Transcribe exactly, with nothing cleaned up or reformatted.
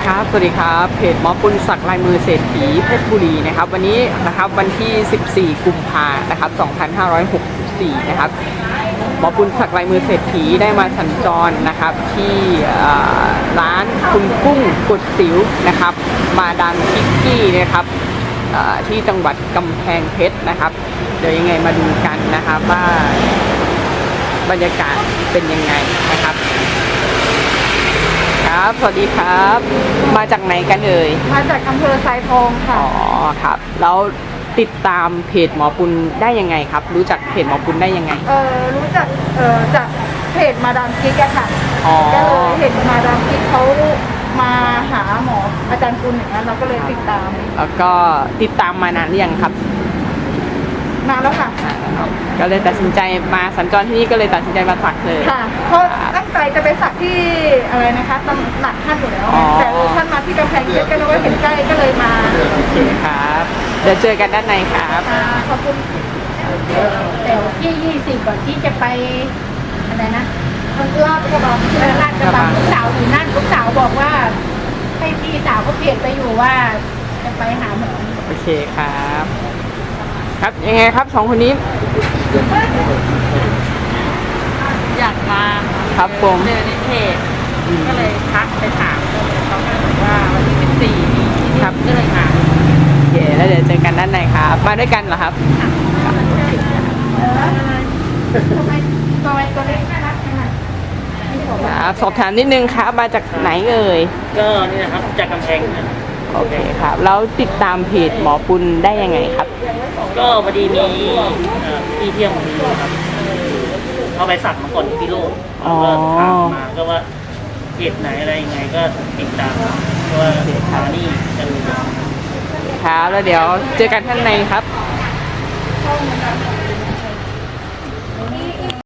ครับสวัสดีครับเพจหมอปุณศักดิ์ลายมือเศรษฐีเพชรบุรีนะครับวันนี้นะครับวันที่สิบสี่กุมภาพันธ์นะครับสองพันห้าร้อยหกสิบสี่นะครับหมอปุณศักดิ์ลายมือเศรษฐีได้มาสัญจรนะครับที่ร้านคุณกุ้งกุดสิวนะครับมาดามคิกกี้นะครับที่จังหวัดกำแพงเพชรนะครับเดี๋ยวยังไงมาดูกันนะครับว่าบรรยากาศเป็นยังไงนะครับครับสวัสดีครับมาจากไหนกันเอ่ยมาจากอำเภอไซทองค่ะอ๋อครับแล้วติดตามเพจหมอปุณได้ยังไงครับรู้จักเพจหมอปุณได้ยังไงเออรู้จักเออจากเพจมาดามกิ๊กอะค่ะอ๋อก็เลยเห็นมาดามกิ๊กเขามาหาหมออาจารย์ปุณอย่างนั้นเราก็เลยติดตามแล้วก็ติดตามมานานหรือยังครับนานแล้วค่ะก็เลยตัดสินใจมาสัญจรที่นี่ก็เลยตัดสินใจมาสักเลยค่ะเพราะตั้งใจจะไปสักที่อะไรนะคะตำหนักท่านอยู่แล้วแต่ท่านมาที่กำแพงเพชรก็เลยว่าเห็นใกล้ก็เลยมาโอเคครับเดี๋ยวเจอกันด้านในครับขอบคุณแต่ที่ยี่สิบก่อนที่จะไปอะไรนะลาดกระบังลาดกระบังลูกสาวอยู่นั่นลูกสาวบอกว่าให้พี่สาวเขาเปลี่ยนไปอยู่ว่าจะไปหาหมอโอเคครับครับยังไงครับสองคนนี้อยากมาครับผมเจอในเพจก็เลยทักไปถามก็เลยเขาก็บอกว่าวันที่สิบสี่นี้ครับก็เลยมาโอเคแล้วเดี๋ยวเจอกันด้านในครับมาด้วยกันเหรอครับทำไมตัวตัวเล็กน่ารักขนาดครับสอบถามนิดนึงครับมาจากไหนเอ่ยก็นี่นะครับจากกำแพงนะโอเคครับแล้วติดตามเพจหมอปุณได้ยังไงครับก็พอดีมีพี่เที่ยงมีครับเขาไปสักมาก่อนที่พิโลกแล้วก็ถามมาก็ว่าเพจไหนอะไรยังไงก็ติดตามเพราะว่าทานี่จะรู้ครับแล้วเดี๋ยวเจอกันท่านในครับ